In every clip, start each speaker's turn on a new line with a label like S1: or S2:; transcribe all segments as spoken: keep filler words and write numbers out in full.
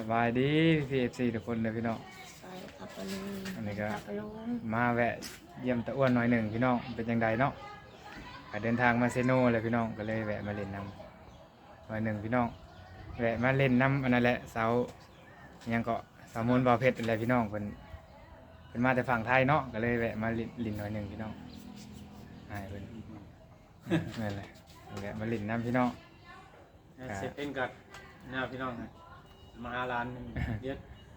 S1: บายดีพี่เอฟซีทุกคนเลยพี่น้อง
S2: ขับไปเลย
S1: อันนี้ก็
S2: ขับไปลง
S1: มาแวะเยี่ยมตะอ้วนหน่อยหนึ่งพี่น้องเป็นยังไงเนาะก็เดินทางมาเซโนเลยพี่น้องก็เลยแวะมาเล่นน้ำหน่อยหนึ่งพี่น้องแวะมาเล่นน้ำอันนั้นแหละเสายังเกาะเสามนบ่อเพชรอะไรพี่น้องเป็นเป็นมาแต่ฝั่งไทยเนาะก็เลยแวะมาลินหน่อยหนึ่งพี่น้องหายเป็นนั่นแหละแวะมาลินน้ำพี่น้อง
S3: เสร็จเป็นกับหน้าพี่น้องนะมาร้านเยอะ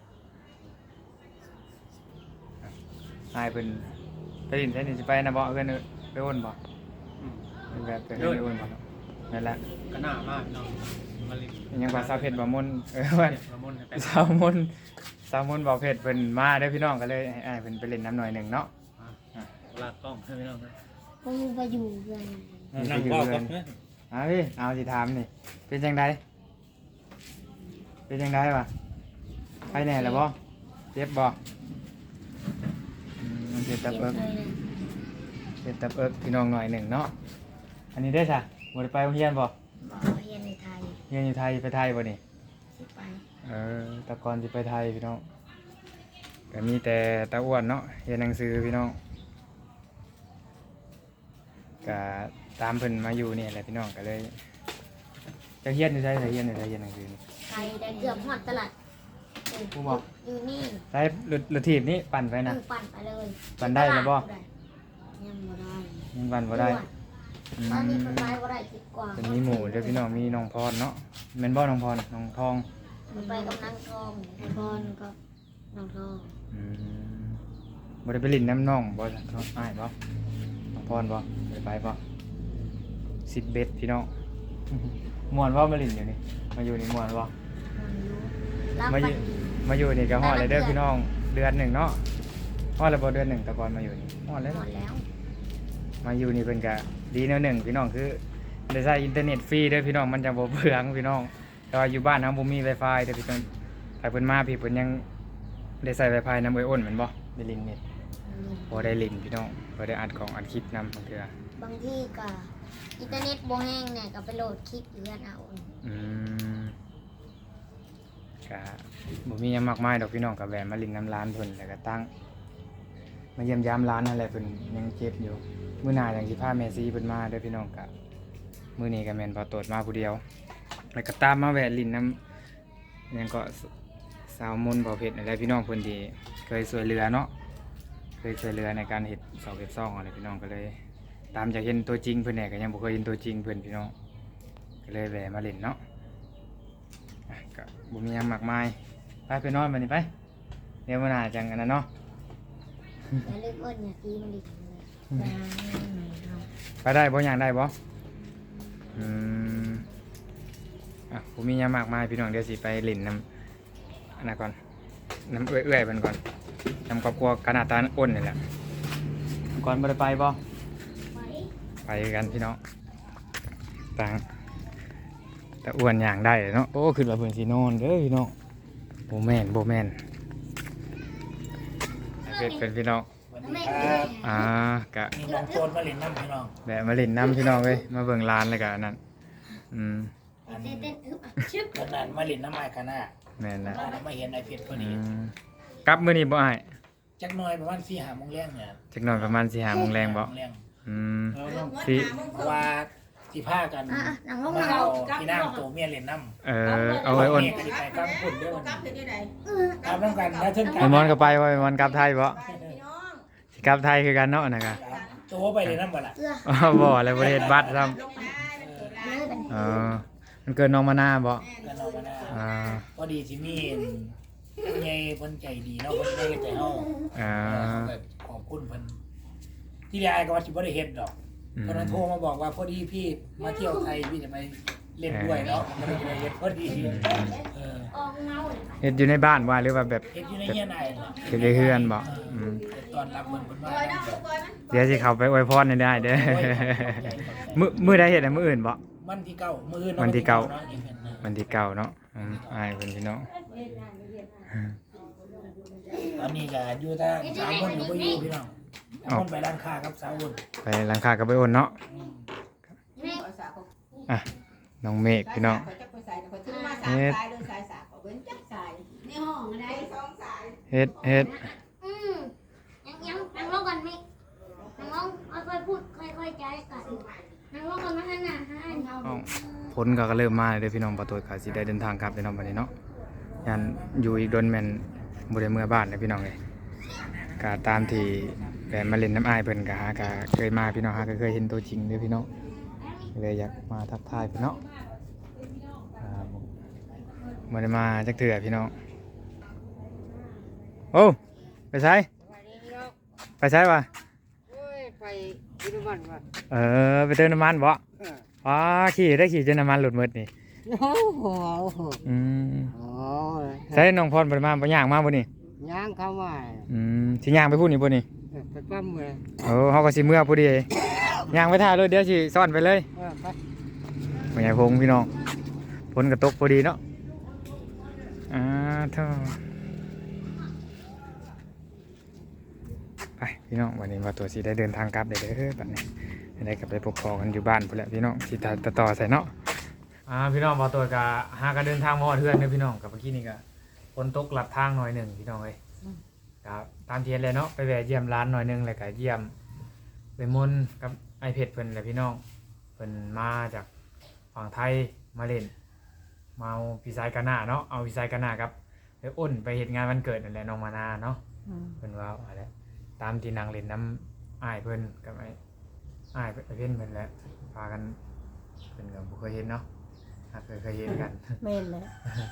S1: หายเป็นไปลินใช่นี่จะไปนะบ่เพื่อนไปอ้นบ่ เป็นแบบเป็นเรื่องมันนั่นแหละ
S3: ก็หน้ามากพี่น้องมาลิน
S1: ยังว่าสาวเพชรบ่มนเออว่า
S3: ละมุนให้ไป
S1: สาวมนสาวมนบ่เพชรเพิ่นมาเด้อพี่น้องก็เลยให้อ้ายเพิ่นไปเล่นน้ำหน่อยหนึงเนาะ
S3: ลากกล้องให้พี่น้องนะ
S2: พวกมึงไปอยู่กัน
S3: นั่งว่ากัน
S1: เอาพี่เอาสิถามนี่เป็นจังไดเป็นจังไดวะไปแน่แล้วบ่เจ็บบ่อืมเจ็บตับเอิกเจ็บตับเอิกพี่น้องหน่อยหนึ่งเนาะอันนี้ได้ซะบ่ได้ไปโรงเรียนบ่
S2: บอกเรียนในไทย
S1: เรียนอยู่ไทยไปไทยบ่นี่
S2: สิไป
S1: เออแตะกอนจะไปไทยพี่น้องก็มีแต่ตาอ้วนเนาะเรียนหนังสือพี่น้องก็ตามเพิ่นมาอยู่นี่แหละพี่น้องก็เลยจะเฮียนอยู่ใช่ไหมเฮียนอยู่ใช่เฮียนหนังสือนี่
S2: ไทยได้เกือบหอดตลาด
S1: ผู้บอก
S2: อยู่นี่
S1: ใช้รถรถถีบนี่ปั่นไปนะ
S2: มึงปั่นไปเลย
S1: ปั่นได้ไหมบ่
S2: ยังบ่ได้
S1: ยังปั่นบ่ได้อื
S2: ตอนนี้
S1: ม
S2: มันไปบ่ได้คิดกว่า
S1: เป็นมีหมูเด้อพี่น้องมีน้องพรเนาะแม่นบ่น้องพรน้องทอง
S2: มันไปกับนางทองไอ้บอลกับนางทอง
S1: อืมบ่ได้ไปลิ้นน้ำน้องบ่น้องอ้ายบ่น้องพรบ่บ่ได้ไปบ่สิบเบ็ดพี่น้อง ม่วนบ่มาลิ้นอยู่นี่มาอยู่นี่ม่วนบ่
S2: มันอยู่รับ
S1: มา
S2: ไป
S1: อยู่มาอยู่นี่ก็ฮอดเลยเด้อพี่น้องเดือนหนึ่งเนาะฮอดแล้วบ่เดือนหนึ่งแต่ก่อนมาอยู่นี่ฮอดแล้ว
S2: หมดแล้ว
S1: มาอยู่นี่เพิ่นก็ดีแนวหนึ่งพี่น้องคือได้ใช้อินเทอร์เน็ตฟรีเด้อพี่น้องมันจะบ่เปลืองพี่น้องแต่ว่าอยู่บ้านเฮาบ่มี Wi-Fi เด้อพี่น้องถ้าเพิ่นมาพี่เพิ่นยังได้ใช้ Wi-Fi นำเอ้ยอ้นแม่นบ่ได้ลิงนี่บ่ได้ลิงพี่น้องบ่ได้อัดของอัดคลิปนำบางเทื่อบ
S2: างที่ก็อินเทอร์เน็ตบ่แห้งเนี่ยก็ไปโหลดคลิปอยู่กันเอา
S1: อืมก็บ่มีหยังมากมายดอกพี่น้องก็แวะมาลิงน้ำร้านเพิ่นแล้วก็ตั้งมาเยี่ยมยามร้านนั่นแหละเพิ่นยังเจ็บอยู่มื้อหน้าจังสิพาแม่ซีเพิ่นมาเด้อพี่น้องก็มื้อนี้ก็แม่นพอโตดมาผู้เดียวแล้วก็ตามมาแวะลินน้ำยังก็สาวมนต์บ่อเพชรอะไรพี่น้องเพิ่นที่เคยช่วยเหลือเนาะเคยช่วยเหลือในการเฮ็ดเสาเฮ็ดซ่องอะไรพี่น้องก็เลย ตามจากเห็นตัวจริงเพิ่นเนี่ยก็ยังบ่เคยเห็นตัวจริงเพิ่นพี่น้องก็เลยแวะมาเล่นเนาะอ่ะก็บ่มีหยังมากมายไปไปนอนบัดนี้ไปเดี๋ยวมื้อหน้าจังอันนั้นเนาะ
S2: อย่าลืมอ้นอย่าตีมันดิเลย
S1: ไปได้บ่อย่างได้บ่อืมอ่ะผมมีหยังมากมายพี่น้องเดี๋ยวสิไปเล่นน้ำอันนั้นก่อนน้ำเอื้อยๆมันก่อนน้ำครอบครัวขนาดตาอ้นนี่แหละก่อนบ่ได้ไปบ่ไปกันพี่น้องต่างแต่อ้วนอย่างได้เนาะโอ้ขึ้นมาเพิ่นสินอนเด้อพี่น้องบ่แม่นบ่แม่นเป็นเป็นพี่น้อง
S3: สวัสดีครับ
S1: อ่ากะ
S3: มีน้องโจนมาเล่นน้ำพี่น้อง
S1: แบะมาเล่นน้ำพี่น้องเว้ยมาเบิ่งร้านเลยกะอันนั้นอืม
S3: อัน
S2: เต้นเต้นอึ๊บชึบ
S3: ขนาดมาเล่นน้ำไม้ขนาด
S1: แม่นละ
S3: มาเห็นไอเพชรพอ
S1: อื
S3: ดี
S1: มกลับมื้อนี้บ่อ้าย
S3: จักหน่อยประมาณสี่ห้าโมงแรงเนี่ย
S1: จักหน่อยประมาณสี่ห้าโมงแรงบ่
S3: แรง
S1: อืม
S3: เพ
S1: สิ
S3: ราะว่าสิพากัน
S2: อ่ะอ่ะหนังลง
S3: มา
S2: เรา
S3: เอาพี่นางตัวเมียเล่นน้ำ
S1: เออเอาไว้อ้น
S3: เมียก็สิไปกลางฝุ่นด้วยวัน
S4: กลับถึงที่ไหน
S3: ตามน้ำกันนะเช่นกั
S1: ไอ้มอนก็ไปว่าไอ้มอนกลับไทยบ่
S4: ไปพี่น้อง
S1: สิกลับไทยคือกันเนาะนะกะ
S3: ตัวไปเล่นน้ำบ่ล่ะ
S2: เอื้อ
S1: อ้าวบ่เลยบ่ได้เฮ็ดบัตรซ้ำ
S4: ลงมามันเกิดอะไร
S2: เลยเป็น
S1: อ๋อมันเกินน้องมานาบ่
S3: กันเอามาหน้า
S1: อ่า
S3: พอดีสิมีผู้ใหญ่เพิ่นใจดีเนาะเพิ่นได้ใจเฮา
S1: อ่า
S3: ขอบคุณเพิ่นที่ได้ก็ว่าสิบ่ได้เฮ็ดดอก
S1: อืม
S3: ตอนนั้นโทรมาบอกว่าพอดีพี่มาเที่ยวไทยพี่จะไปเล่นด้วยเนาะมันก็เลยเฮ็ดพอดีเออ
S2: ออกเงาเลย
S1: เฮ็ดอยู่ในบ้านว่าหรือว่าแบบ
S3: เฮ็ดอยู่ในเฮียนายเนาะ
S1: เฮ็ดในเฮือนบ่อืม
S3: ตอนรับเพิ่นเพิ่นว่า
S4: ปล่อยน้ำลูกปล่อยมัน
S1: เดี๋ยวสิเข้าไปอวยพรให้ได้เด้อ มื้อมื้อใดเฮ็ดอะมื้ออื่นบ่
S3: วันที่เก้ามื้ออื่น
S1: วันที่เก้า
S3: เนาะอีเวนต์นะ
S1: วันที่เก้าเนาะอืมอายเพิ่นพี่น้อง
S3: ตอนนี้ก็อยู่ทางสามคนอยู่บ่อยู่พี่น้องสามคนไปร้านค้าครับสาวคน
S1: ไปร้านค้ากับไปโอนเนาะ
S3: อืม
S2: แม่
S4: เอาสากของ
S1: อ่ะน้องเมฆพี่น้อง
S4: เขาจะไปใส่เขาถือมาสายสายเลยสายสากเขาเว้นจักสาย
S1: เฮ็ดเฮ็ด
S2: อืมยังยังนั่งลงกันไหมนั่งลงค่อยๆพูดค่อยๆใจกันนั่งลงกันมาหันหน้าหาอันเรา
S1: อ้าวผลก็เริ่มมาเลยเด้อพี่น้องประตูก็สิได้เดินทางกลับพี่น้องบัดนี้เนาะยันอยู่อีกโดนแม่นบ่ได้เมื่อบ้านเด้อพี่น้องเอ้ยก็ตามที่แฟนมาเล่นน้ำอ้ายเพิ่นก็หาก็เคยมาพี่น้องหาก็เคยเห็นตัวจริงเด้อพี่น้องเลยอยากมาทักทายพี่น้องอ่าบ่ได้มาจักเทื่อพี่น้องโอ้ไปไสไปไสวะ
S5: โอ้ยไปกินน้ำมันว่ะ
S1: เออไปเติมน้ำมันบ่
S5: เออ
S1: อ๋อขี่ได้ขี่จนน้ำมันหลุดหมดนี่
S5: โอ้โหโอ้โห
S1: อืม
S5: โอ้
S1: ใส่น้องพรบ่ได้มาบ่ย่างมาบ่นี่
S5: ย่างเข้ามา
S1: อืมสิย่างไปพูดนี่บ่นี่
S5: เออไปปั้มเลย
S1: โอ้เฮาก็สิเมื่อพอดีย่างไปท่าเลยเดี๋ยวสิซ่อนไปเลย
S5: เออไป
S1: บ่ใหญ่พงพี่น้องฝนก็ตกพอดีเนาะอ่าเท่าไปพี่น้องวันนี้ว่าตัวสิได้เดินทางกลับได้เด้อบัดนี้ได้กลับไปพบพ่อกันอยู่บ้านพุ่นแหละพี่น้องสิตัดต่อใส่เนาะอ่าพี่น้องว่าตัวก็หากันเดินทางมาฮอดเฮือนเด้อพี่น้องกับเมื่อกี้นี่ก็ฝนตกลัดทางหน่อยหนึงพี่น้องเอ้ยครับตามเทียนเลยเนาะไปแวะเยี่ยมร้านหน่อยหนึงแล้วก็เยี่ยมไปมนต์กับไอเพชรเพิ่นแหละพี่น้องเพิ่นมาจากฝั่งไทยมาเล่นมาเอาพี่สายกะหน้าเนาะเอาพี่สายกะหน้าครับไปอ้นไปเฮ็ดงานวันเกิดนั่นแหละน้องมานาเนาะเพิ่นว่าอะไรตามที่นางเล่นน้ำอ้ายเพิ่นกับไอ้อ้ายไอ้เพิ่นเพิ่นแหละพากันเพิ่นก็บ่เคยเห็นเนาะหากเคยเคยเห็นกัน
S2: เม่นเลย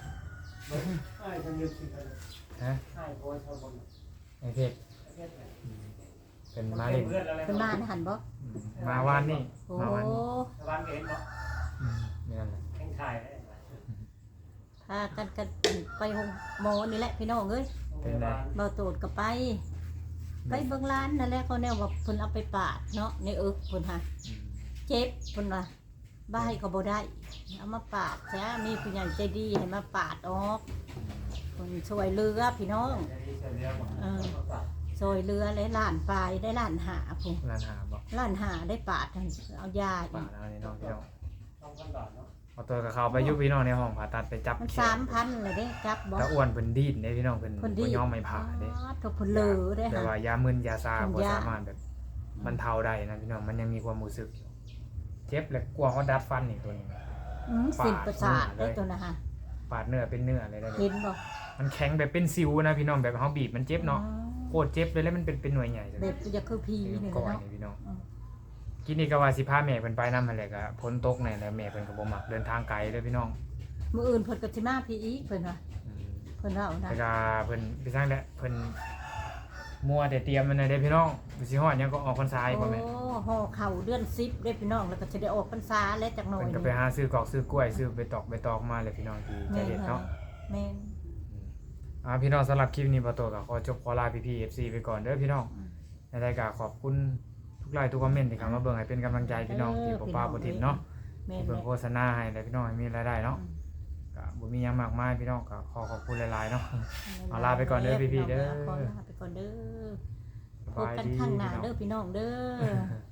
S1: ฮะไอ้เพชรอืมเป็นมาเล่น
S2: เป็นบ้านหันบ่
S1: อืมมาวานนี่
S2: โอ้
S1: มาวานนี่
S3: บ้านเห็นบ่
S1: อืมนี่นั่นแหละ
S3: แข่งถ่ายได้
S2: พากันกันไปห้องหมอนี่แหละพี่น้องเอ้ย
S1: เป็นไง
S2: เบาโตดก็ไป ไปเบิ่งร้านนั่นแหละเขาแนวว่าเพิ่นเอาไปปาดเนาะในเอิกเพิ่นหา
S1: อืม
S2: เจ็บเพิ่นว่าบ้ายก็บ่ได้เอามาปาดจ้ามีผู้ใหญ่ใจดีให้มาปาดออกเพิ่นช่วยเหลือพี่น้องเออช่วยเหลือและล้านปลายได้ล้านหาพุ่น
S1: ร้านหาบอก
S2: ล้านหาได้ปาดหั่นเอายาอี
S1: ป่าก แล้วนี่น้องพี่น้องเอาตัวกับเขาไปอยุพี่น้องในห้องผ่าตัดไปจับ
S2: มัน
S1: แข
S2: สามพันเลยเด้จับบ่
S1: ตาอ้วนเพิ่นดีดเด้พี่น้องเพิ่น
S2: เพิ่นดี
S1: บ่ยอมไม่ผ่าเด้
S2: อ๋อถูกเพิ่นเหลือได้
S1: แต่
S2: ค่ะ
S1: ว่ายามึนยาซา
S2: เป็น
S1: บ่
S2: ยา
S1: สามารถแบบบรรเทาได้นะพี่น้องมันยังมีความรู้สึกอยู่เจ็บและกลัวเขาดัดฟันอีกตัวนึง
S2: อืมสินประสาทได้ตัวนะฮะ
S1: ปาดเนื้อเป็นเนื้ออะไรได้เล
S2: เห็
S1: ย
S2: นบ่
S1: มันแข็งแบบเป็นซิวนะพี่น้องแบบเฮาบีบมันเจ็บเนาะ
S2: อ๋อ
S1: โคตรเจ็บเลยแล้วมันเป็นเป็นหน่วยใหญ่เลย
S2: แบบจะคือพี
S1: เป็น
S2: นี่
S1: ก้อน
S2: เนาะ
S1: นี่พี่น้อง
S2: อืม
S1: กินนี่ก็ว่าสิพาแม่เพิ่นไปนำหั่นแหละก็ฝนตกแน่แล้วแม่เพิ่นก็บ่มักเดินทางไกลเด้อพี่น้อง
S2: มื้ออื่นเพิ่นก็สิมาพี่อีกเพิ่นว่า
S1: อืม
S2: เพิ่นว่าเอานะ
S1: แต่ก็เพิ่นพี่สร้างแหละเพิ่นมัวแต่เตรียมมันน่ะเด้อพี่น้องสิฮอดหยังก็ออกพรรษาอีกบ่แม่
S2: โอ้ห่อเข่าเดือนสิบเด้พี่น้องแล้วก็สิได้ออกพรรษาแล้วจักหน่อย
S1: เพิ่นก็ไปหาซื้อกอกซื้อกล้วยซื้อไปตอกไปตอกมาเลยพี่น้องที่ใจ
S2: แม่น
S1: เด็ดเนาะ
S2: แม่น
S1: อ่าพี่น้องสำหรับคลิปนี้บ่โตก็ขอจบขอลาพี่ๆ เอฟ ซี ไปก่อนเด้อพี่น้องในรายการขอบคุณทุกไลค์ทุกคอมเมนต์ที่เข้ามาเบิ่งให้เป็นกำลังใจพี่น้องที่บ่ป้าบ่ทิมเนาะ
S2: แม่น
S1: ที่
S2: แม่
S1: เบิ่ง
S2: น
S1: โฆษณาให้แล้วพี่น้องให้มีรายได้เนาะก็บ่มีหยังมากมายพี่น้องก็ขอขอบคุณหลายๆเนาะ เอาลาไปก่อนเด้อพี่ๆเด้อ
S2: ขอลาไปก่อนเด้อ
S1: ส
S2: พบบ
S1: าย
S2: กัน
S1: ดี
S2: ข้างหน้า
S1: พี่น้อง
S2: เด้อพี่น้องเด้อ